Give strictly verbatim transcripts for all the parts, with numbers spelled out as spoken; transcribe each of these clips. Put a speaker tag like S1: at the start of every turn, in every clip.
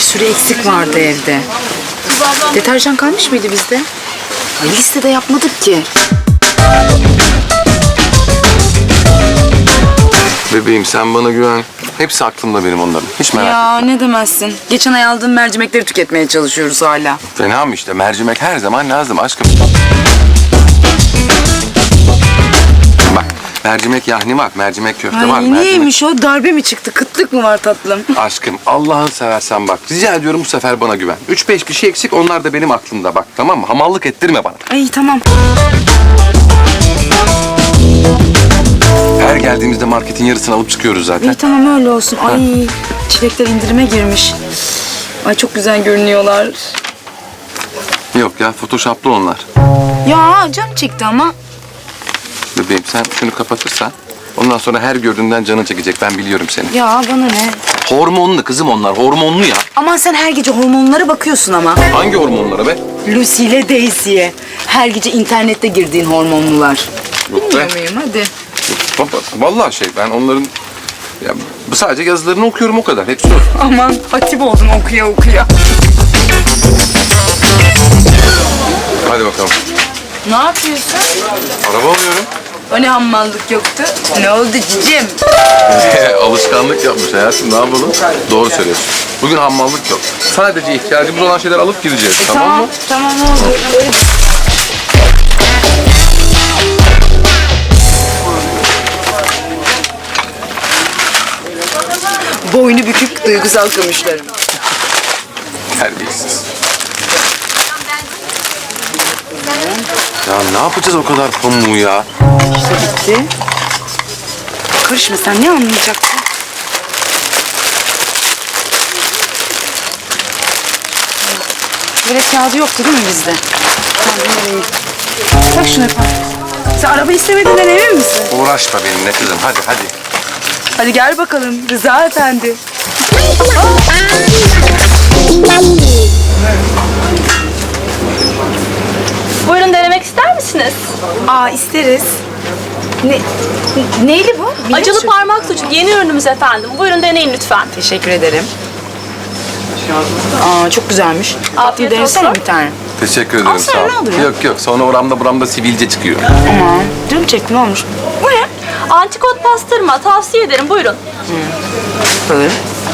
S1: sürü eksik vardı evde. Deterjan kalmış mıydı bizde? Ay, listede yapmadık ki.
S2: Bebeğim sen bana güven. Hepsi aklımda benim onların. Hiç merak etme.
S1: Ya ne demezsin. Geçen ay aldığım mercimekleri tüketmeye çalışıyoruz hala.
S2: Fena mı işte? Mercimek her zaman lazım aşkım. Bak mercimek yahni var, mercimek köfte
S1: Ay
S2: var. Mercimek...
S1: niyeymiş o? Darbe mi çıktı? Kıtlık mı var tatlım?
S2: Aşkım Allah'ını seversen bak. Rica ediyorum bu sefer bana güven. Üç beş bir şey eksik onlar da benim aklımda bak tamam mı? Hamallık ettirme bana.
S1: Ay tamam.
S2: Her geldiğimizde marketin yarısını alıp çıkıyoruz zaten.
S1: İyi tamam öyle olsun. Ay çilekler indirime girmiş. Ay çok güzel görünüyorlar.
S2: Yok ya photoshoplu onlar.
S1: Ya canım çekti ama.
S2: Bebeğim sen şunu kapatırsan ondan sonra her gördüğünden canın çekecek. Ben biliyorum seni.
S1: Ya bana ne?
S2: Hormonlu kızım onlar. Hormonlu ya.
S1: Aman sen her gece hormonlara bakıyorsun ama.
S2: Hangi hormonlara be?
S1: Lucy ile Daisy'ye. Her gece internette girdiğin hormonlular.
S2: Yok be.
S1: Bilmiyor muyum hadi.
S2: Baba, vallahi şey ben onların ya, sadece yazılarını okuyorum o kadar. Hepsi o.
S1: Aman hatip oldun okuya okuya.
S2: Hadi bakalım.
S1: Ne yapıyorsun?
S2: Araba alıyorum.
S1: O ne hammallık yoktu? Ne oldu cicim?
S2: Alışkanlık yapmış hayatım. Ne yapalım? Doğru söylüyorsun. Bugün hammallık yok. Sadece ihtiyacımız olan şeyler alıp gideceğiz. tamam,
S1: tamam
S2: mı?
S1: Tamam oldu. Boynu bükük duygusal kamışlarım.
S2: Terbiyesiz. Ya ne yapacağız o kadar pamuğu ya?
S1: İşte bitti. Karışma sen ne anlayacaksın? Böyle kağıdı yoktu değil mi bizde? Tamam nereye? Tak şunu yapalım. Sen araba istemediğinden emin misin?
S2: Uğraşma benimle kızım. Hadi hadi.
S1: Hadi gel bakalım Rıza Efendi.
S3: Buyurun denemek ister misiniz?
S1: Aa isteriz. Ne, neyli bu? Biliyor
S3: Acılı
S1: musun?
S3: parmak sucuk yeni ürünümüz efendim. Buyurun deneyin lütfen.
S1: Teşekkür ederim. Aa çok güzelmiş.
S3: Afiyet
S1: Bir denesene
S3: olsun.
S1: bir tane.
S2: Teşekkür ederim.
S1: Alsana,
S2: sağ ol.
S1: ne olur ya?
S2: Yok yok. Sonra oramda buramda sivilce çıkıyor.
S1: Aman canım çekti ne olmuş? Bu ne?
S3: Antikot pastırma tavsiye ederim. Buyurun.
S1: Böyle.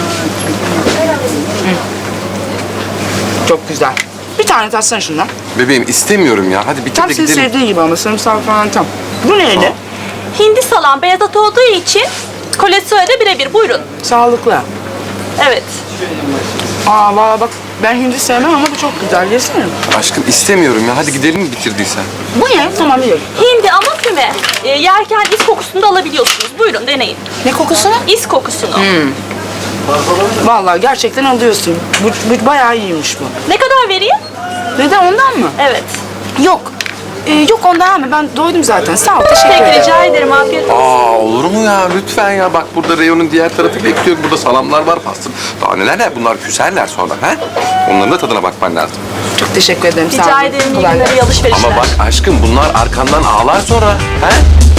S1: Çok güzel. Bir tane tatsana şundan.
S2: Bebeğim istemiyorum ya. Hadi bitir
S1: Tam
S2: de
S1: senin
S2: gidelim.
S1: sevdiğin gibi ama sarımsak falan tam. Bu neydi?
S3: Hindi salam beyaz at olduğu için kolesterolü de birebir. Buyurun.
S1: Sağlıklı.
S3: Evet.
S1: Aa valla bak ben hindi sevmem ama bu çok güzel. Yesene.
S2: Aşkım istemiyorum ya. Hadi gidelim mi bitirdiysen?
S1: Bu ne? Tamam biliyorum.
S3: Hindi ama füme. E, yerken is kokusunu da alabiliyorsunuz. Buyurun deneyin.
S1: Ne kokusunu?
S3: İs kokusunu.
S1: Vallahi gerçekten alıyorsun. Bu, bu bayağı iyiymiş bu.
S3: Ne kadar vereyim?
S1: Neden ondan mı?
S3: Evet.
S1: Yok. Ee, yok ondan ama ben doydum zaten. Sağ ol teşekkür
S3: Peki
S1: ederim.
S3: rica ederim. Afiyet olsun.
S2: Aa olur mu ya? Lütfen ya. Bak burada reyonun diğer tarafı bekliyor. Burada salamlar var, pastır. Daha neler ne? Bunlar küserler sonra. He? Onların da tadına bakman lazım.
S1: Çok teşekkür ederim. Sağ
S3: Rica
S1: olun.
S3: ederim. İyi
S1: Kolay
S3: günler,
S1: gelsin.
S3: iyi alışverişler.
S2: Ama bak aşkım bunlar arkandan ağlar sonra. He?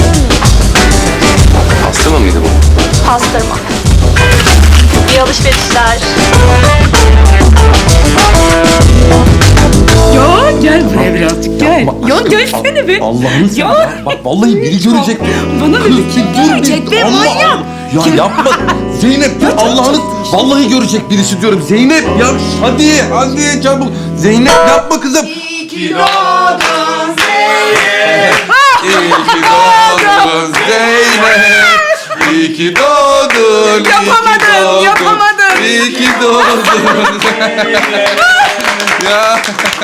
S2: Pastırma mıydı bu?
S3: Pastırma. İyi alışverişler.
S1: Ya gel buraya birazcık gel. Ya gelsene be.
S4: Allah'ını
S1: Ya.
S4: seversen bak vallahi biri görecek.
S1: Bana
S4: Kız,
S1: bir kim
S4: dur
S1: görecek
S4: bir-
S1: be
S4: Allah
S1: manyak.
S4: Allah. Ya yapma. Zeynep ya Allah'ını vallahi görecek birisi diyorum. Zeynep ya hadi hadi çabuk. Zeynep yapma kızım.
S2: İyi ki doğdun Zeynep. İyi ki doğdun.
S1: Yapamadım, yapamadım.
S2: İyi ki doğdun. Ya.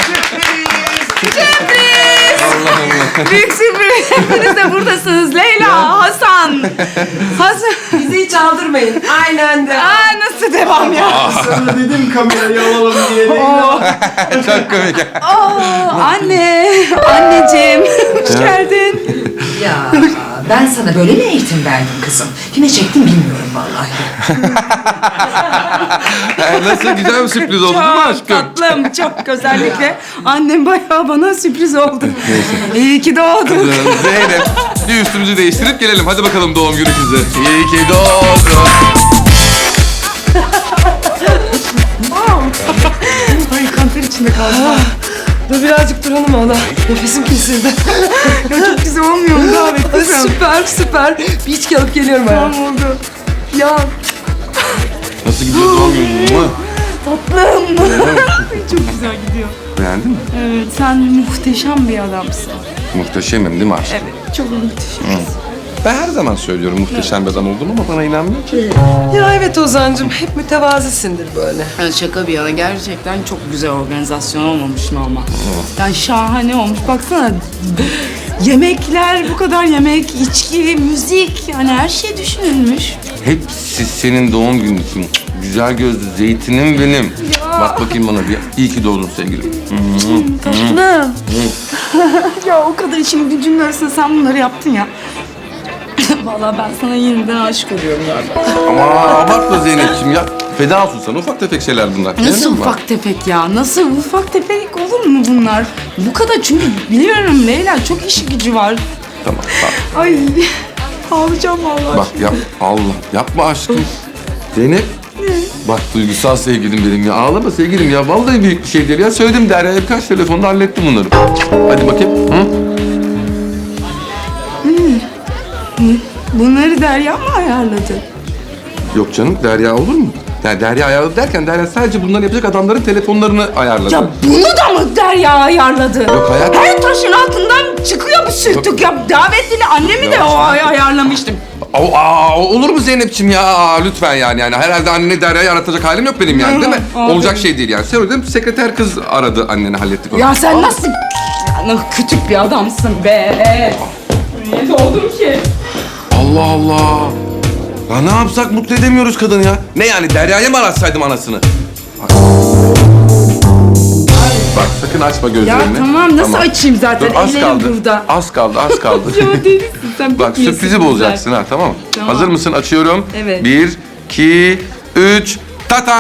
S2: Allah Allah.
S1: Büyük sürpriz. Hepiniz de buradasınız. Leyla, Hasan. Hasan.
S5: Bizi hiç aldırmayın. Aynı anda.
S1: Aa nasıl devam ya?
S5: Sonra dedim kamerayı alalım diye.
S2: Çok komik.
S1: Oo, anne. Anneciğim. Hoş geldin.
S6: Ya ben sana böyle mi eğitim verdim kızım? Kime çektim bilmiyorum vallahi.
S2: Nasıl güzel bir sürpriz oldu değil mi
S1: Çok
S2: aşkım?
S1: tatlım. Çok özellikle annem bayağı bana sürpriz oldu. İyi ki doğdun.
S2: Zeynep bir üstümüzü değiştirip gelelim. Hadi bakalım doğum günü kızı. İyi ki doğdun.
S5: içinde kaldı. Dur birazcık duralım ona. Nefesim kesildi.
S1: Ya çok güzel olmuyor mu davet
S5: Ay,
S1: kızım?
S5: süper süper. Bir içki alıp geliyorum hayatım.
S1: Tamam oldu.
S5: Ya
S4: Nasıl gidiyor doğum günün mü?
S1: Çok güzel gidiyor.
S2: Beğendin mi?
S1: Evet, sen muhteşem bir adamsın.
S2: Muhteşemim değil mi aşkım?
S1: Evet, çok muhteşem.
S2: Ben her zaman söylüyorum muhteşem bir adam olduğumu ama bana inanmıyor ki.
S5: ya evet Ozan'cığım hep mütevazisindir böyle.
S1: Yani şaka bir yana gerçekten çok güzel organizasyon olmamış normal. Yani şahane olmuş. Baksana yemekler, bu kadar yemek, içki, müzik yani her şey düşünülmüş.
S2: Hepsi senin doğum günün için. Güzel gözlü zeytinim benim. Bak bakayım bana bir. İyi ki doğdun sevgilim.
S1: Tatlım. Ya o kadar işin gücünün arasında sen bunları yaptın ya. Vallahi ben sana yeniden aşık oluyorum galiba.
S2: Ama abartma Zeynep'ciğim ya. Feda olsun sana. Ufak tefek şeyler bunlar.
S1: Nasıl
S2: Beğendin mi?
S1: ufak tefek ya? Nasıl ufak tefek olur mu bunlar? Bu kadar çünkü biliyorum Leyla çok işi gücü var.
S2: Tamam tamam.
S1: Ay ağlayacağım vallahi.
S2: Bak yap. Allah. Yapma aşkım. Zeynep. Bak duygusal sevgilim benim ya. Ağlama sevgilim ya. Vallahi büyük bir şey değil ya. Söyledim Derya'ya birkaç telefonda hallettim bunları. Hadi bakayım. Hı?
S1: Bunları Derya mı ayarladı?
S2: Yok canım Derya olur mu? Yani Derya ayarladı derken Derya sadece bunları yapacak adamların telefonlarını ayarladı.
S1: Ya bunu da mı Derya ayarladı?
S2: Yok hayatım.
S1: Her taşın altından çıkıyor bu sürtük ya. Davetli annemi de o ay ayarlamıştım.
S2: Aa, aa, olur mu Zeynep'ciğim ya? Aa, lütfen yani. yani. Herhalde annene Derya'yı aratacak halim yok benim yani değil mi?
S1: Aferin.
S2: Olacak şey değil yani. Söyledim sekreter kız aradı anneni hallettik onu.
S1: Ya sen nasıl ya, küçük bir adamsın be. Niye doğdum ki?
S2: Allah Allah. Ya ne yapsak mutlu edemiyoruz kadını ya. Ne yani Derya'ya mı aratsaydım anasını? Bak. Bak sakın açma gözlerini.
S1: Ya tamam, nasıl açayım zaten?
S2: Dur, az
S1: Ellerim
S2: kaldı.
S1: burada.
S2: Az kaldı az kaldı.
S1: Ya delisin sen.
S2: Bak
S1: bitmiyorsun
S2: sürprizi
S1: güzel.
S2: bozacaksın ha tamam mı?
S1: Tamam.
S2: Hazır mısın? Açıyorum.
S1: Evet.
S2: Bir, iki, üç. Tata!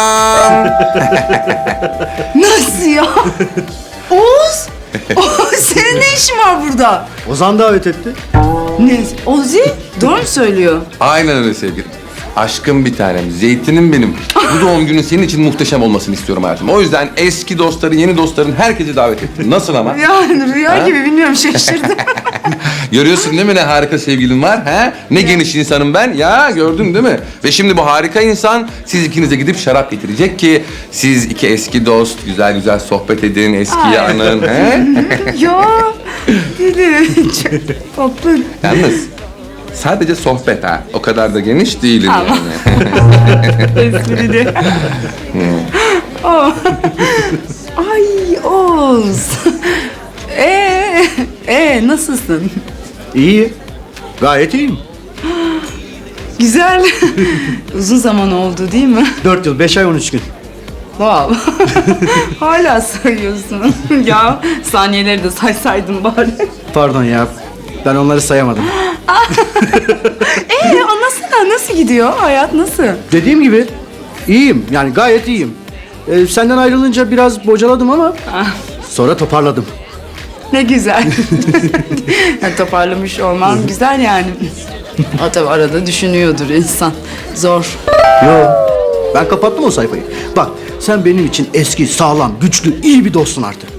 S1: Nasıl ya? Oğuz! Oğuz senin ne işin var burada?
S7: Ozan davet etti.
S1: Ne? Ozi? Doğru mu söylüyor?
S2: Aynen öyle sevgilim. Aşkım bir tanem, zeytinim benim. Bu doğum günün senin için muhteşem olmasını istiyorum hayatım. O yüzden eski dostları, yeni dostların herkesi davet ettim. Nasıl ama?
S1: Yani rüya gibi bilmiyorum şaşırdım.
S2: Görüyorsun değil mi ne harika sevgilim var? He? Ne geniş insanım ben. Ya gördün değil mi? Ve şimdi bu harika insan siz ikinize gidip şarap getirecek ki siz iki eski dost güzel güzel sohbet edin, eskiyi
S1: Ay.
S2: anın. He?
S1: Ya deli. Çok tatlı.
S2: Yalnız sadece sohbet ha. O kadar da geniş değilim
S1: Tamam.
S2: yani.
S1: Esprili. Oh. Ay Oğuz. Ee, ee nasılsın?
S7: İyi. Gayet iyiyim.
S1: Güzel. Uzun zaman oldu değil mi?
S7: Dört yıl, beş ay, on üç gün.
S1: Wow. Hala sayıyorsun. Ya saniyeleri de saysaydın bari.
S7: Pardon ya. Ben onları sayamadım.
S1: Ee anlatsana nasıl gidiyor? Hayat nasıl?
S7: Dediğim gibi iyiyim. Yani gayet iyiyim. Ee, senden ayrılınca biraz bocaladım ama sonra toparladım.
S1: Ne güzel. Yani toparlamış olman güzel yani. O tabii arada düşünüyordur insan. Zor.
S7: Yo. Ben kapattım o sayfayı. Bak sen benim için eski, sağlam, güçlü, iyi bir dostsun artık.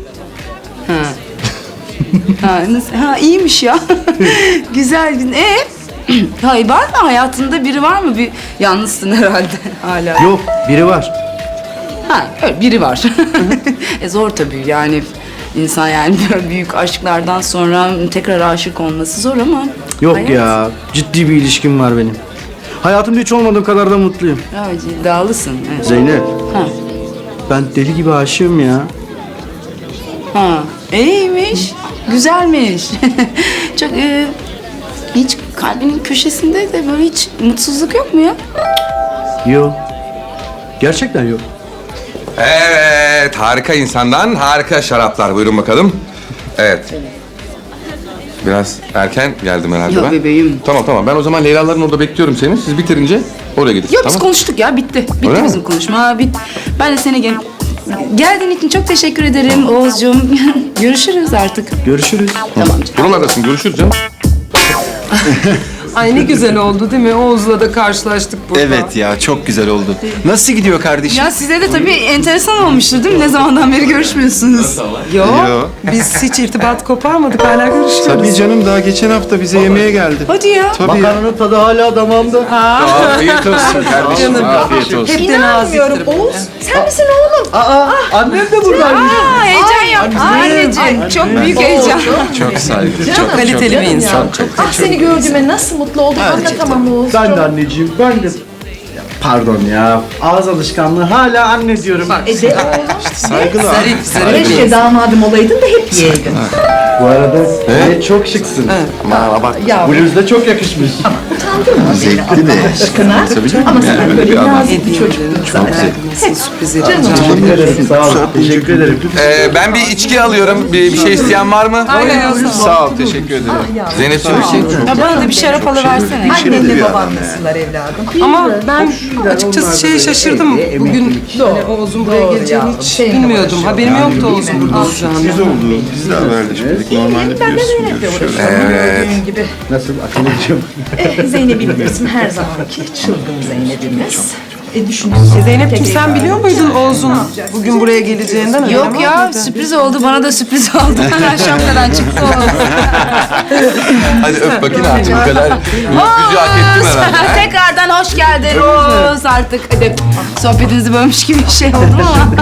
S1: Ha, nasıl? Ha iyiymiş ya. Güzel. Ee, hayır var mı hayatında biri var mı? Bir yalnızsın herhalde hala.
S7: Yok, biri var.
S1: Ha öyle biri var. e zor tabii yani insan yani böyle büyük aşklardan sonra tekrar aşık olması zor ama.
S7: Yok
S1: hayat-
S7: ya. Ciddi bir ilişkim var benim. Hayatımda hiç olmadığım kadar da mutluyum.
S1: Ya iddialısın. Evet.
S7: Zeynep,
S1: Ha.
S7: ben deli gibi aşığım ya.
S1: Ha. İyiymiş. Güzelmiş. Çok e, hiç kalbinin köşesinde de böyle hiç mutsuzluk yok mu ya?
S7: Yok. Gerçekten yok.
S2: Evet, harika insandan harika şaraplar. Buyurun bakalım. Evet. Biraz erken geldim herhalde
S1: Yok
S2: ben.
S1: bebeğim.
S2: Tamam tamam. Ben o zaman Leyla'ların orada bekliyorum seni. Siz bitirince oraya gidin.
S1: Yok biz
S2: tamam.
S1: konuştuk ya bitti. Bitti
S2: Öyle mi?
S1: bizim konuşma. Bit. Ben de seni gel geldiğin için çok teşekkür ederim Oğuzcuğum. Görüşürüz artık.
S7: Görüşürüz.
S1: Tamam canım.
S2: Buralardasın. Görüşürüz canım.
S5: Ay ne güzel oldu değil mi? Oğuz'la da karşılaştık burada.
S8: Evet ya çok güzel oldu. Nasıl gidiyor kardeşim?
S1: Ya size de tabii enteresan olmuştur değil mi? Ne zamandan beri görüşmüyorsunuz?
S5: Yo,
S8: Yo.
S5: biz hiç irtibat koparmadık, hala görüşüyoruz.
S8: Tabii canım daha geçen hafta bize yemeğe geldi.
S1: Hadi ya.
S8: Tabii ya.
S7: Makarnanın tadı hala damağımda.
S2: Afiyet olsun kardeşim.
S5: Canım.
S2: Afiyet olsun.
S5: Hepten naziktir.
S6: Oğuz, sen misin oğlum?
S7: Aa, annem de buradaymış.
S1: Aa, heyecan yaptı. Anneciğim çok büyük heyecan.
S2: Çok saygı. Çok
S5: Kaliteli bir insan.
S6: Ah seni gördüğüme nasıl mutlu oldum. Anlatamam Oğuz.
S7: Ben de anneciğim, ben de... Pardon ya, ağız alışkanlığı hala anne diyorum.
S6: E de oğlum.
S8: Saygılar.
S5: Zarif, zarif bir
S6: Keşke
S5: insan.
S6: damadım olaydın da hep yiyeydin.
S7: Bu arada e, çok şıksın.
S8: Ama bak
S6: Ya
S7: Bluz da çok yakışmış.
S6: utandın mı beni
S8: zevkli de.
S6: Allah aşkına?
S8: Tabii canım.
S6: Ama sen
S8: Yani
S6: böyle
S8: bir adam.
S6: nazik bir çocuktun zaten.
S5: Hep sürpriz
S6: Canım.
S5: yapacağım.
S7: Teşekkür ederim, sağ olun. Teşekkür ederim.
S2: Ee, ben bir içki alıyorum. Bir, bir şey isteyen var mı?
S5: Aynen, olsun.
S2: Sağ ol, teşekkür ederim. Zeynep'ciğim bir şey.
S1: Ya bana da bir şarap alıversene.
S6: Annenle baban nasıllar evladım?
S5: Ama ben açıkçası şeye şaşırdım. Bugün hani Oğuz'un buraya
S6: Doğru
S5: geleceğini
S6: ya,
S5: hiç
S6: seninle
S5: bilmiyordum. Haberim yoktu Oğuz'un burada olacağını.
S8: oldu. Biz de haberleşmedik. Normalde
S6: Ben de
S8: biliyorsun
S6: Zeynep'le
S8: görüşüyoruz.
S6: uğraşıyorum. Gördüğün gibi.
S7: Nasıl Atilla'cığım?
S6: Eh, Zeynep'i bilirsin her zamanki çılgın Zeynep'imiz. E düşünün.
S5: Zeynep'ciğim sen biliyor muydun Oğuz'un bugün buraya geleceğinden? haberin var
S1: Yok ya
S5: mıydı?
S1: sürpriz oldu. Bana da sürpriz oldu. Ben şapkadan çıktı o.
S2: Hadi öp bakayım artık bu kadar. Yüzü hak ettim herhalde. ha?
S1: Tekrardan hoş geldin Rose. Artık hadi sohbetinizi bölmüş gibi bir şey oldu ama.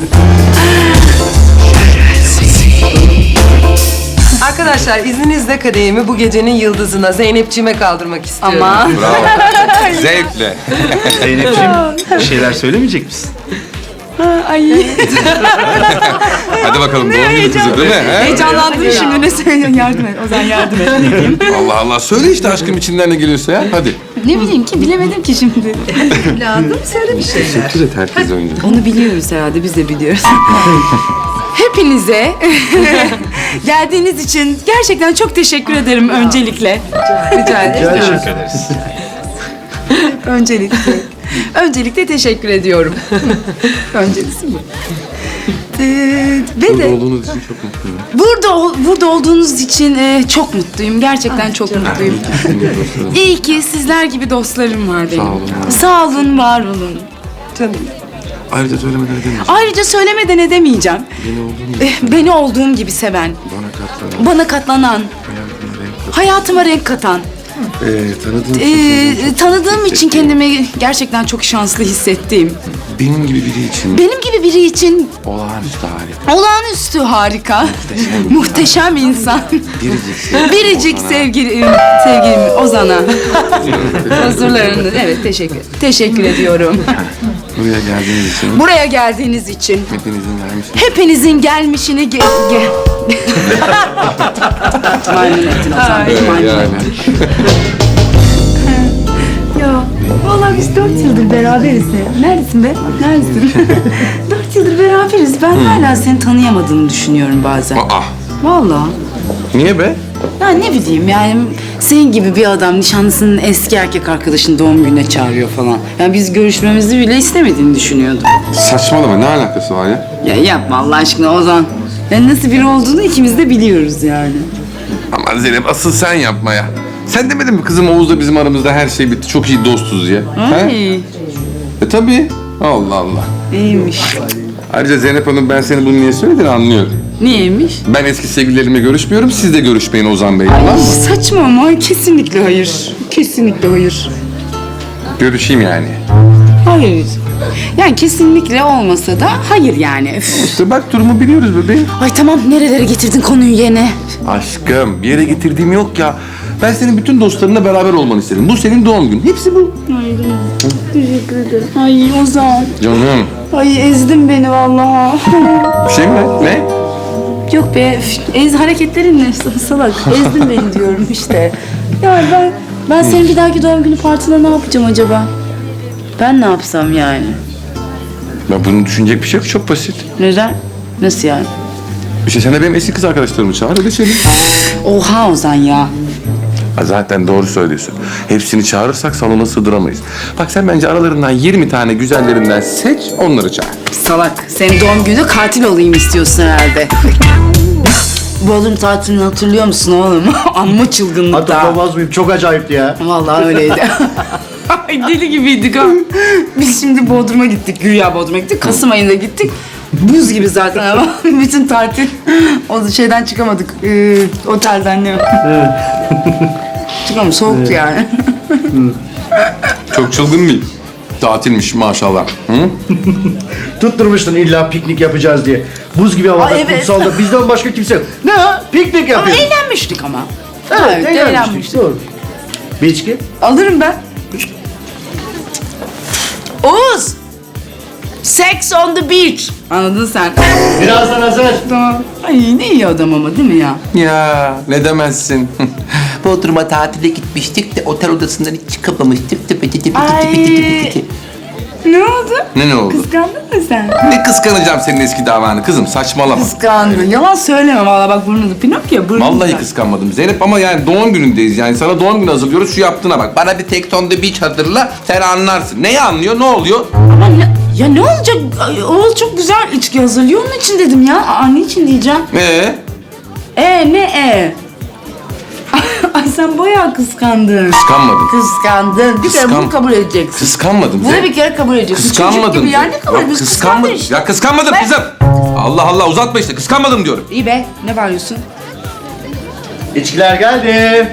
S5: Arkadaşlar izninizle kadehimi bu gecenin yıldızına Zeynep'ciğime kaldırmak istiyorum.
S1: Ama
S2: Bravo. Zevkle.
S8: Zeynep'ciğim bir şeyler söylemeyecek misin?
S1: ay
S2: Hadi bakalım doğum günü kızı değil mi? he?
S1: heyecanlandım şimdi ne söylüyorsun yardım et. Ozan yardım et. Ne diyeyim?
S2: Allah Allah. Söyle işte aşkım içinden ne geliyorsa ya. Hadi.
S1: Ne bileyim ki bilemedim ki şimdi.
S6: Evladım söyle bir şeyler.
S2: Teşekkür et herkes önce.
S1: Onu biliyoruz herhalde biz de biliyoruz. Hepinize geldiğiniz için gerçekten çok teşekkür ederim öncelikle.
S5: Rica ederim.
S8: Teşekkür ederiz.
S1: Öncelikle. Öncelikle teşekkür ediyorum. Öncelisi bu. Ee, ve de
S2: Olduğunuz için çok mutluyum.
S1: burada ol- burada olduğunuz için e, çok mutluyum. Gerçekten çok mutluyum. İyi ki sizler gibi dostlarım var benim.
S2: Sağ olun.
S1: Sağ olun, var olun.
S5: Canım.
S2: Ayrıca söylemeden edemeyeceğim.
S1: Ayrıca söylemeden edemeyeceğim.
S2: Beni olduğum gibi
S1: Eh, Beni olduğum gibi seven,
S2: bana katlanan,
S1: bana katlanan,
S2: hayatıma renk
S1: hayatıma renk katan,
S2: Ee, tanıdığım için
S1: Ee,
S2: kendimi çok
S1: tanıdığım için
S2: hissettiğim,
S1: kendimi gerçekten çok şanslı hissettiğim,
S2: benim gibi biri için
S1: benim gibi biri için
S2: olağanüstü harika.
S1: olağanüstü harika, muhteşem insan,
S2: Biricik sevgilim
S1: biricik
S2: Ozan'a.
S1: sevgilim, sevgilim Ozan'a. Huzurlarını, evet teşekkür, teşekkür ediyorum.
S2: Buraya geldiğiniz için
S1: Buraya geldiğiniz için
S2: hepinizin vermişsiniz.
S1: hepinizin gelmişini ge... ge... Maymun ettin Ozan, maymun
S2: Yani.
S1: Ya vallahi biz dört yıldır beraberiz ya. Neredesin be? Neredesin? Dört yıldır beraberiz. Ben hala seni tanıyamadığımı düşünüyorum bazen.
S2: Aa,
S1: Vallahi.
S2: niye be?
S1: Ya ne bileyim yani senin gibi bir adam nişanlısının eski erkek arkadaşını doğum gününe çağırıyor falan. Yani biz görüşmemizi bile istemediğini düşünüyordum.
S2: Saçmalama, ne alakası var ya?
S1: Ya yapma Allah aşkına Ozan. Yani nasıl biri olduğunu ikimiz de biliyoruz yani.
S2: Aman Zeynep, asıl sen yapma ya. Sen demedin mi kızım Oğuz'la bizim aramızda her şey bitti, çok iyi dostuz ya? He?
S1: Ay
S2: E tabii. Allah Allah.
S1: iyiymiş.
S2: Ayrıca Zeynep Hanım, ben senin bunu niye söylediğini anlıyorum.
S1: Niyeymiş?
S2: Ben eski sevgililerimle görüşmüyorum, siz de görüşmeyin Ozan Bey, tamam mı?
S1: Saçma ama kesinlikle hayır. Kesinlikle hayır.
S2: Görüşeyim yani.
S1: Hayır. Yani kesinlikle olmasa da hayır yani. Üf.
S2: İşte bak, durumu biliyoruz bebeğim.
S1: Ay tamam nerelere getirdin konuyu yine?
S2: Aşkım, bir yere getirdiğim yok ya. Ben senin bütün dostlarınla beraber olmanı istedim. Bu senin doğum günün. Hepsi bu.
S1: Teşekkür ederim. Ay Ozan.
S2: Canım.
S1: Ay ezdin beni vallahi.
S2: Bir şey mi? Ne?
S1: Yok be üf, ez hareketlerinle salak. Ezdin beni diyorum işte. Ya ben ben senin bir dahaki doğum günü partine ne yapacağım acaba? Ben ne yapsam yani?
S2: Ben bunu düşünecek bir şey yok. Çok basit.
S1: Neden? Nasıl yani?
S2: İşte sen de benim eski kız arkadaşlarımı çağır, öyle söyleyeyim.
S1: Oha Ozan ya.
S2: Ha, zaten doğru söylüyorsun. Hepsini çağırırsak salona sığdıramayız. Bak sen bence aralarından yirmi tane güzellerinden seç, onları çağır.
S1: Salak. Senin doğum günü katil olayım istiyorsun herhalde. Bodrum tatilini hatırlıyor musun oğlum? Amma çılgınlıkta.
S7: Hatırlamaz mıyım? Çok acayipti ya.
S1: Vallahi öyleydi. Ay deli gibiydik ha. Biz şimdi Bodrum'a gittik, güya Bodrum'a gittik. Kasım ayında gittik. Buz gibi zaten ama bütün tatil o şeyden çıkamadık. Ee, otelden ne? Çıkamadık, soğuktu yani.
S2: Çok çılgın bir tatilmiş maşallah. Hı?
S7: Tutturmuştun illa piknik yapacağız diye. Buz gibi havada,
S1: Ay, evet.
S7: kumsalda bizden başka kimse yok. Ne ha? Piknik
S1: Ama
S7: yapıyoruz.
S1: eğlenmiştik ama.
S7: Evet, eğlenmiştik.
S1: eğlenmiştik.
S7: Doğru. Bir içki?
S1: Alırım ben. Oğuz! Sex on the beach. Anladın sen.
S7: Birazdan hazır.
S1: Tamam. Ay ne iyi adam ama değil mi ya?
S2: Ya ne demezsin.
S9: Bodrum'a tatile gitmiştik de otel odasından hiç çıkamamıştık. Tıpı tıpı tıpı
S1: Ay.
S9: tıpı tıpı tıpı.
S1: Ne oldu?
S2: Ne ne oldu?
S1: Kıskandın mı sen?
S2: Ne kıskanacağım senin eski davanı kızım, saçmalama.
S1: Kıskandım. Yalan söyleme valla bak burnunu. Pinokyo burnunu.
S2: Vallahi kıskanmadım Zeynep ama yani doğum günündeyiz yani sana doğum günü hazırlıyoruz şu yaptığına bak. Bana bir Sex on the Beach hatırla sen anlarsın. Neyi anlıyor ne oluyor?
S1: Ama ne, ya ne olacak? Ay, Oğuz çok güzel içki hazırlıyor onun için dedim ya. Aa ne için diyeceğim?
S2: Ee?
S1: E ne e? Ay sen bayağı kıskandın.
S2: Kıskanmadım.
S1: Kıskandın. Bir kere
S2: Kıskan-
S1: bunu kabul edeceksin.
S2: Kıskanmadım
S1: Bunu
S2: Zeynep.
S1: bir kere kabul edeceksin. Çocuk
S2: Kıskanmadım.
S1: gibi yani ne kabul
S2: Ya
S1: ediyorsun?
S2: kıskanmadım.
S1: Kıskandın işte.
S2: Ya kıskanmadım
S1: Ben-
S2: kızım. Allah Allah uzatma işte kıskanmadım diyorum.
S1: İyi be ne bağırıyorsun?
S7: İçkiler geldi.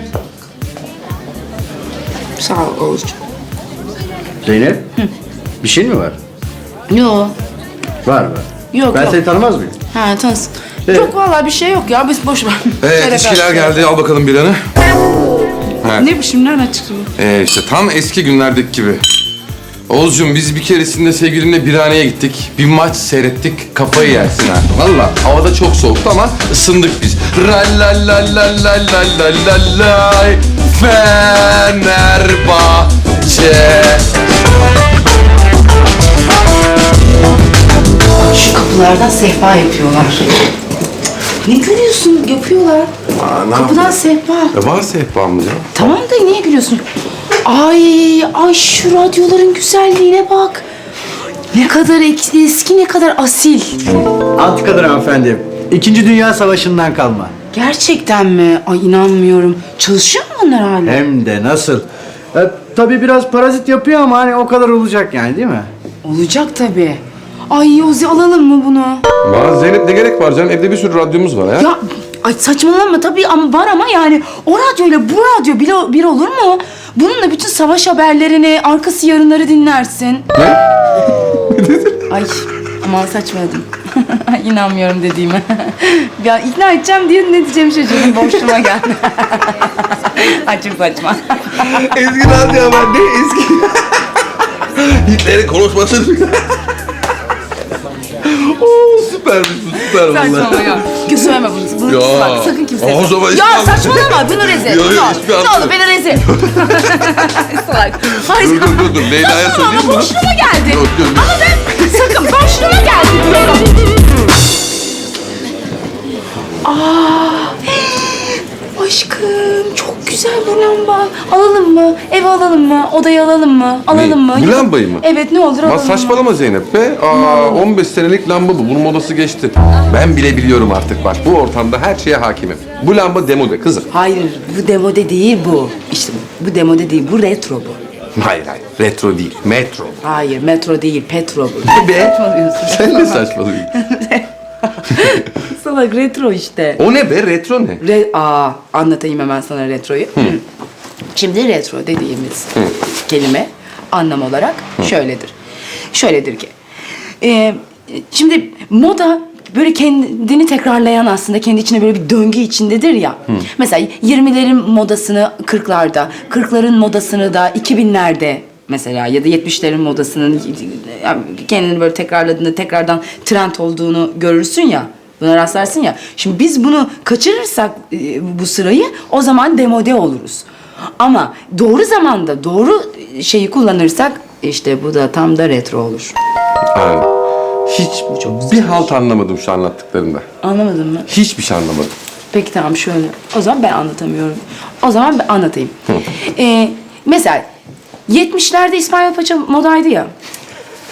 S1: Sağ ol Oğuzcuğum.
S7: Zeynep. Bir şey mi var?
S1: Yok.
S7: Var var.
S1: Yok
S7: Ben
S1: yok.
S7: seni tanımaz mıyım?
S1: Ha tanısın.
S7: Evet.
S1: Yok vallahi bir şey yok ya biz boş ver.
S2: Evet
S1: Şöyle
S2: içkiler
S1: karşı-
S2: geldi al bakalım bir anı.
S1: Ne biçim nereden çıktı bu?
S2: Ee, işte tam eski günlerdeki gibi. Oğuzcuğum biz bir keresinde sevgilimle birhaneye gittik. Bir maç seyrettik. Kafayı yersin ha. Valla havada çok soğuktu ama ısındık biz. Ralalalalalalalay Fenerbahçe.
S1: Şu kapılardan sehpa yapıyorlar. Ne gülüyorsun? Yapıyorlar.
S2: Aa, ne
S1: Kapıdan sehpa.
S2: E, var sehpamız ya.
S1: Tamam da niye gülüyorsun? Ay, ay şu radyoların güzelliğine bak. Ne kadar ek- eski, ne kadar asil.
S7: Antikadır hanımefendi. İkinci Dünya Savaşı'ndan kalma.
S1: Gerçekten mi? Ay inanmıyorum. Çalışıyor mu onlar hala?
S7: Hem de nasıl? E, tabii biraz parazit yapıyor ama hani o kadar olacak yani değil mi?
S1: Olacak tabii. Ay Ozi alalım mı bunu?
S2: Var Zeynep ne gerek var canım? Evde bir sürü radyomuz var ya.
S1: Ya ay saçmalama tabii ama var ama yani o radyoyla bu radyo bir, bir olur mu? Bununla bütün savaş haberlerini, arkası yarınları dinlersin.
S2: Ne?
S1: Ay aman saçmaladım. İnanmıyorum dediğime. Ya ikna edeceğim diye ne diyeceğimi şaşırdım. Boşluğuma geldi. Ay çok saçma.
S2: Eski radyo ben ne eski? Hitler'in konuşması. Oo süpermiş bu süper
S1: Saçmalama
S2: vallahi.
S1: ya. Söyleme bunu. Bunu
S2: Ya.
S1: bak sakın kimseye.
S2: O zaman
S1: Ya
S2: hiçbir an-
S1: saçmalama bunu rezil.
S2: Yok, yok,
S1: Ne olur,
S2: hiçbir
S1: ne
S2: an-
S1: olur beni rezil. Salak. Hayır.
S2: Dur dur dur dur Leyla'ya
S1: Saçmalama
S2: söyleyeyim bunu.
S1: boşluğuma geldi.
S2: Yok, yok, yok.
S1: Ama ben sakın boşluğuma geldi diyorum. Aa, aşkım çok güzel bu lamba. Alalım mı? Eve alalım mı? Odayı alalım mı? Alalım
S2: Ne?
S1: mı?
S2: Bu lambayı mı?
S1: Evet ne olur
S2: Lan
S1: alalım mı?
S2: saçmalama Zeynep be. Aa, on beş senelik lamba bu. Bunun modası geçti. Ben bile biliyorum artık bak. Bu ortamda her şeye hakimim. Bu lamba demode kızım.
S1: Hayır bu demode değil bu. İşte bu, bu demode değil bu retro bu.
S2: Hayır hayır. Retro değil. Metro.
S1: Hayır metro değil petro bu.
S2: Ne be?
S1: Saçmalıyorsun.
S2: Sen ne saçmalıyorsun?
S1: Salak retro işte.
S2: O ne be? Retro ne?
S1: Re Aa, anlatayım hemen sana retroyu. Şimdi retro dediğimiz kelime anlam olarak şöyledir. Şöyledir ki. e, şimdi moda böyle kendini tekrarlayan aslında kendi içinde böyle bir döngü içindedir ya. Mesela yirmilerin modasını kırklarda, kırkların modasını da iki binlerde mesela ya da yetmişlerin modasının yani kendini böyle tekrarladığında tekrardan trend olduğunu görürsün ya. Buna rastlarsın ya. Şimdi biz bunu kaçırırsak e, bu sırayı o zaman demode oluruz. Ama doğru zamanda doğru şeyi kullanırsak işte bu da tam da retro olur.
S2: Yani hiç bir halt anlamadım şu anlattıklarında.
S1: Anlamadın mı?
S2: Hiçbir şey anlamadım.
S1: Peki tamam şöyle. O zaman ben anlatamıyorum. O zaman ben anlatayım. Ee, mesela yetmişlerde İspanyol paça modaydı ya.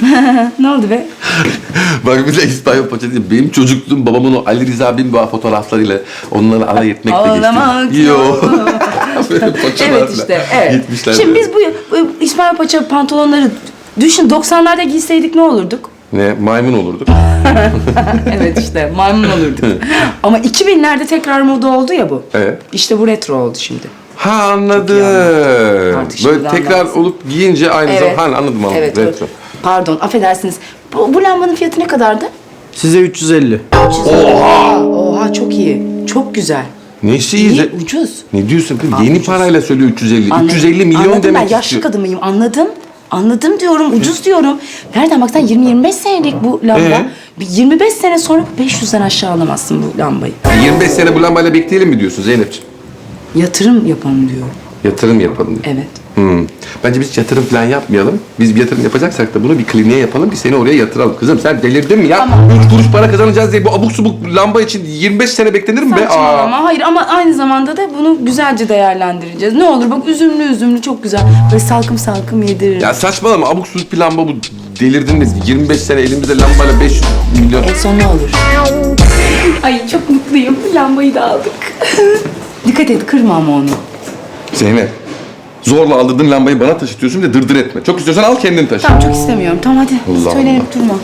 S1: Ne oldu be?
S2: Bak bir de İspanyol paçası. Benim çocukluğum babamın o Ali Rıza Binboğa fotoğraflarıyla onları alay etmekle
S1: Ağlamak
S2: geçti. Yo.
S1: yok.
S2: Böyle paçalarla.
S1: Evet işte, evet.
S2: Gitmişler
S1: Şimdi
S2: böyle.
S1: biz bu, bu İsmail Paça pantolonları düşün doksanlarda giyseydik ne olurduk?
S2: Ne? Maymun olurduk.
S1: Evet işte maymun olurduk. Ama iki binlerde tekrar moda oldu ya bu.
S2: Evet.
S1: İşte bu retro oldu şimdi.
S2: Ha anladım.
S1: Artık şimdi
S2: Böyle tekrar
S1: anlarsın.
S2: olup giyince aynı
S1: Evet.
S2: zaman. Ha, anladım anladım.
S1: Evet.
S2: Retro.
S1: Pardon affedersiniz. Bu, bu lambanın fiyatı ne kadardı?
S7: Size üç yüz elli.
S1: Oha! Oha çok iyi. Çok güzel.
S2: Nesi iyi?
S1: İyi,
S2: Ze-
S1: ucuz.
S2: Ne diyorsun kız?
S1: Aa,
S2: Yeni
S1: ucuz.
S2: parayla söylüyor üç yüz elli.
S1: Anladım.
S2: üç yüz elli milyon
S1: Anladım
S2: demek
S1: ben yaşlı
S2: istiyor.
S1: kadınıyım anladım. Anladım diyorum ucuz diyorum. Nereden baksan yirmi yirmi beş senelik bu lamba.
S2: Ee?
S1: Bir yirmi beş sene sonra beş yüzden aşağı alamazsın bu lambayı.
S2: yirmi beş sene bu lambayla bekleyelim mi diyorsun Zeynep'ciğim?
S1: Yatırım yapalım diyorum.
S2: Yatırım yapalım diyor.
S1: Evet.
S2: Hmm. Bence biz yatırım falan yapmayalım. Biz bir yatırım yapacaksak da bunu bir kliniğe yapalım. Bir seni oraya yatıralım. Kızım sen delirdin mi ya? Üç kuruş para kazanacağız diye bu abuk subuk lamba için yirmi beş sene beklenir mi be? Aa.
S1: Saçmalama. Hayır ama aynı zamanda da bunu güzelce değerlendireceğiz. Ne olur bak üzümlü üzümlü çok güzel. Böyle salkım salkım yediririm.
S2: Ya saçmalama abuk subuk bir lamba bu. Delirdin mi? yirmi beş sene elimizde lambayla beş yüz milyon.
S1: En son ne olur? Ay çok mutluyum. Lambayı da aldık. Dikkat et kırma ama onu.
S2: Zeynep. Zorla aldırdığın lambayı bana taşıtıyorsun ve dırdır etme. Çok istiyorsan al kendin taşı.
S1: Tamam çok istemiyorum. Tamam hadi.
S2: Allah
S1: Söylenip durma.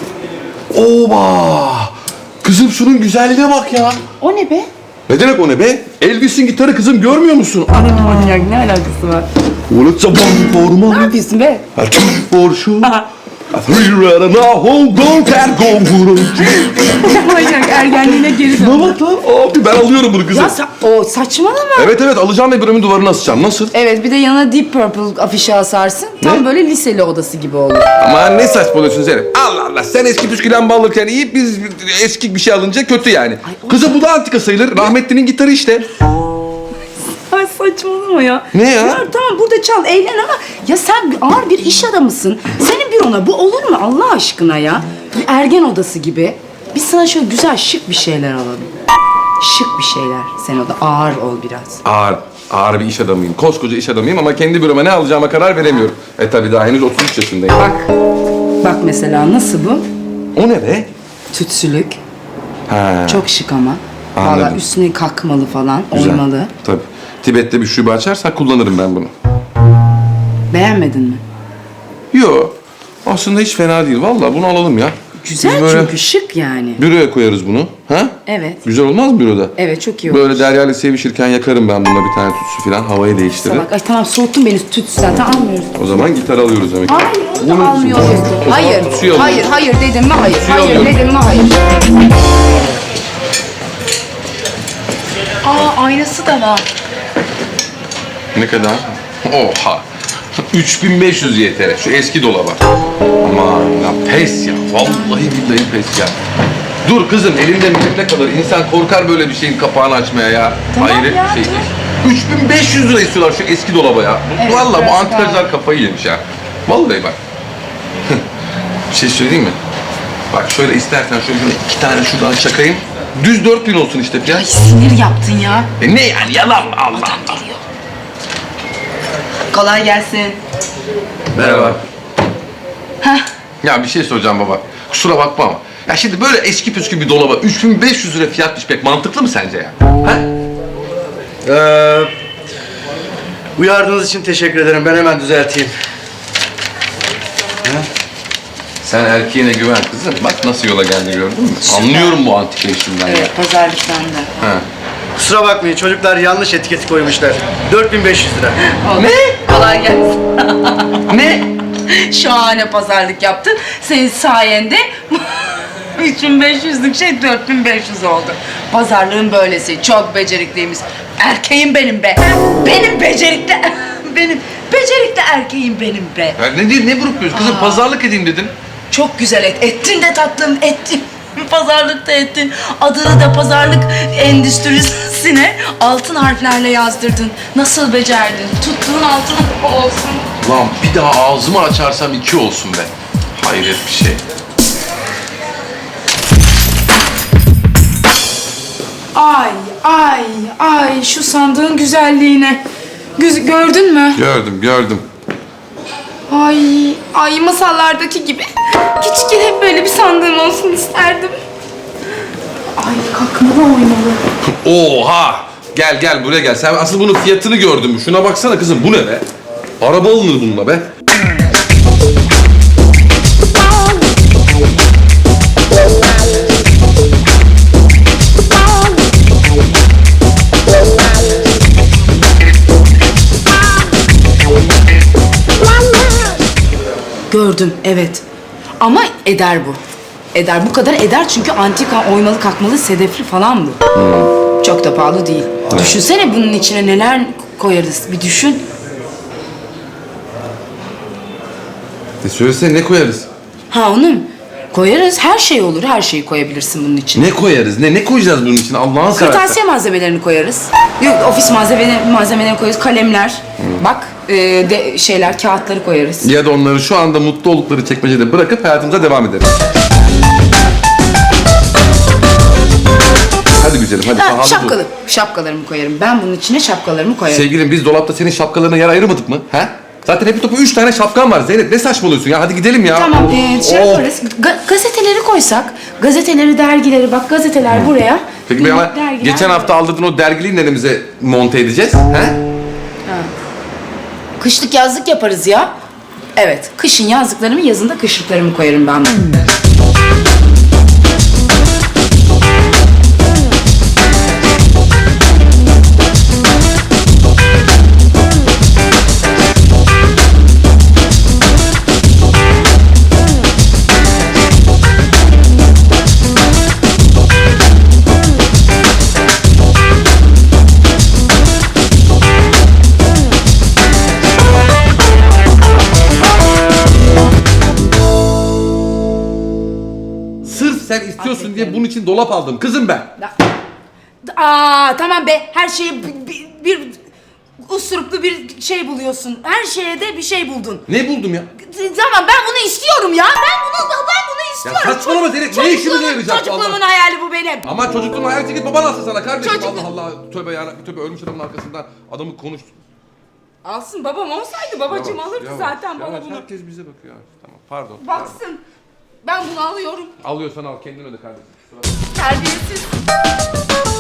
S2: Oba! Kızım şunun güzelliğine bak ya.
S1: O ne be?
S2: Ne demek o ne be? Elvis'in gitarı kızım görmüyor musun?
S1: Ana manyak ne alakası var?
S2: Well, it's a one for
S1: Ne
S2: money,
S1: yapıyorsun be?
S2: a two for sure, a three red and a whole gold cat go.
S1: Manyak ergenliğine geri
S2: Ne
S1: dön.
S2: bak lan? Abi ben alıyorum bunu kızım.
S1: Ya sa- o saçmalama.
S2: Evet evet alacağım ve bölümün duvarına asacağım. Nasıl?
S1: Evet bir de yanına Deep Purple afişi asarsın. Tam
S2: Ne?
S1: böyle liseli odası gibi olur.
S2: Aman ne saçmalıyorsun Zeynep? Allah Allah sen eski püskü lamba alırken iyi biz eski bir şey alınca kötü yani. Kızım bu da antika sayılır. Rahmetli'nin gitarı işte.
S1: Ay saçmalama ya.
S2: Ne ya?
S1: Ya tamam burada çal eğlen ama ya sen bir- ağır bir iş adamısın. Senin bir ona bu olur mu Allah aşkına ya? Bir ergen odası gibi. Biz sana şöyle güzel şık bir şeyler alalım. Şık bir şeyler. Sen o da ağır ol biraz.
S2: Ağır, ağır bir iş adamıyım. Koskoca iş adamıyım ama kendi büroma ne alacağıma karar veremiyorum. E tabi daha henüz otuz üç yaşındayım.
S1: Bak. Bak mesela nasıl bu?
S2: O ne be?
S1: Tütsülük.
S2: Ha,
S1: Çok şık ama.
S2: Anladım.
S1: Valla üstüne kakmalı falan.
S2: güzel.
S1: Oymalı.
S2: Tabii. Tibet'te bir şube açarsak kullanırım ben bunu.
S1: Beğenmedin mi?
S2: Yo. Aslında hiç fena değil. Vallahi bunu alalım ya.
S1: Güzel
S2: Biz böyle
S1: çünkü şık yani.
S2: büroya koyarız bunu. Ha?
S1: Evet.
S2: Güzel olmaz mı büroda?
S1: Evet çok iyi olur.
S2: Böyle Derya ile sevişirken yakarım ben bununla bir tane tütsü falan. Havayı değiştirir.
S1: Salak. Ay tamam soğuttun beni tütsü zaten almıyoruz.
S2: O zaman gitar alıyoruz demek.
S1: Hayır onu da almıyoruz.
S2: O zaman
S1: Hayır,
S2: tütsüyü alıyoruz.
S1: hayır, hayır dedim mi hayır.
S2: Tütsüyü
S1: Hayır
S2: alıyorum.
S1: dedim mi hayır. Aa aynası da var.
S2: Ne kadar? Oha. üç bin beş yüz Y T L. Şu eski dolaba. Aman ya pes ya. Vallahi billahi pes ya. Dur kızım elimde elimde kalır. İnsan korkar böyle bir şeyin kapağını açmaya ya.
S1: Tamam
S2: Hayret
S1: ya,
S2: bir şey.
S1: tamam.
S2: üç bin beş yüz lira istiyorlar şu eski dolaba ya.
S1: Evet,
S2: Vallahi bu
S1: biraz
S2: antikacılar kafayı yemiş ya. Vallahi bak. Bir şey söyleyeyim mi? Bak şöyle istersen şöyle iki tane şuradan çakayım. Düz dört bin olsun işte fiyat.
S1: Sinir yaptın ya.
S2: E ne yani yalan mı? Allah Allah.
S1: Kolay gelsin.
S2: Merhaba. Ya bir şey soracağım baba. Kusura bakma ama. Ya şimdi böyle eski püskü bir dolaba üç bin beş yüz lira fiyat düşmek mantıklı mı sence ya? Ha?
S7: Ee, uyardığınız için teşekkür ederim. Ben hemen düzelteyim.
S2: Sen erkeğine güven kızım. Bak nasıl yola geldi gördün mü? Anlıyorum bu antika işinden ya.
S1: Evet pazarlık sende.
S2: Ha.
S7: Kusura bakmayın çocuklar yanlış etiketi koymuşlar. dört bin beş yüz lira.
S1: Ne? Kolay gelsin.
S2: Ne?
S1: Şahane pazarlık yaptın. Senin sayende üç bin beş yüzlük şey dört bin beş yüz oldu. Pazarlığın böylesi. Çok becerikliymiş. Erkeğim benim be. Benim becerikli. Benim becerikli erkeğim benim be.
S2: Ya ne değil ne grupluyoruz kızım? Pazarlık edeyim dedim.
S1: Çok güzel et. Ettin de tatlım ettin. Pazarlık da ettin. Adını da pazarlık endüstrisine altın harflerle yazdırdın. Nasıl becerdin? Tuttuğun altın olsun.
S2: Lan bir daha ağzımı açarsam iki olsun be. Hayret bir şey.
S1: Ay ay ay şu sandığın güzelliğine. Güz gördün mü?
S2: Gördüm gördüm.
S1: Ay, ay masallardaki gibi. Küçükken hep böyle bir sandığım olsun isterdim. Ay kalkmalı oynalı.
S2: Oha! Gel gel buraya gel. Sen asıl bunun fiyatını gördün mü? Şuna baksana kızım, bu ne be? Araba alınır bununla be.
S1: Gördüm, evet. Ama eder bu. Eder, bu kadar eder çünkü antika oymalı kalkmalı sedefli falan bu. Çok da pahalı değil. Düşünsene bunun içine neler koyarız, bir düşün.
S2: E söylesene, ne koyarız?
S1: Ha onu mu? Koyarız, her şey olur, her şeyi koyabilirsin bunun içine.
S2: Ne koyarız? Ne ne koyacağız bunun için? Allah'ın seversen.
S1: Kırtasiye malzemelerini koyarız. Yok, ofis malzemeleri, malzemelerini koyarız. Kalemler, bak e, de, şeyler, kağıtları koyarız.
S2: Ya da onları şu anda mutlu oldukları çekmecede bırakıp hayatımıza devam ederiz. Hadi güzelim, hadi
S1: Ha,
S2: pahalı bu.
S1: şapkalı, şapkalarımı koyarım. Ben bunun içine şapkalarımı koyarım.
S2: Sevgilim, biz dolapta senin şapkalarına yer ayırmadık mı? He? Zaten hepi topu üç tane şapkan var Zeynep. Ne saçmalıyorsun ya? Hadi gidelim ya.
S1: Tamam, e, şey
S2: Oh.
S1: yaparız. Ga- gazeteleri koysak, gazeteleri, dergileri, bak gazeteler buraya.
S2: Peki
S1: bir
S2: ama
S1: dergiler
S2: geçen hafta
S1: buraya.
S2: aldırdığın o dergiliği neremize monte edeceğiz? He?
S1: Kışlık yazlık yaparız ya. Evet, kışın yazlıklarımı, yazında kışlıklarımı koyarım ben.
S2: Sırf sen istiyorsun diye bunun için dolap aldım kızım ben.
S1: Aa tamam be, her şeye bir, bir, bir usturuplu bir şey buluyorsun. Her şeye de bir şey buldun.
S2: Ne buldum ya?
S1: Tamam, ben bunu istiyorum ya. Ben bunu ben bunu istiyorum.
S2: Ya saçmalama Zeynep, ne işimize yarayacak bu
S1: Çocukluğumun
S2: Allah?
S1: hayali bu benim.
S2: Ama çocukluğun hayaleti git baban alsın sana kardeşim.
S1: Çocuk-
S2: Allah Allah, tövbe ya, tövbe, ölmüş adamın arkasından adamı konuştu.
S1: Alsın, babam olsaydı babacığım
S2: Yavaş,
S1: alırdı
S2: yavaş,
S1: zaten bana
S2: yavaş.
S1: bunu.
S2: Herkes bize bakıyor. Tamam, pardon. pardon.
S1: Baksın. Ben bunu alıyorum.
S2: Alıyorsan al, kendin öde kardeşim.
S1: Terbiyesiz.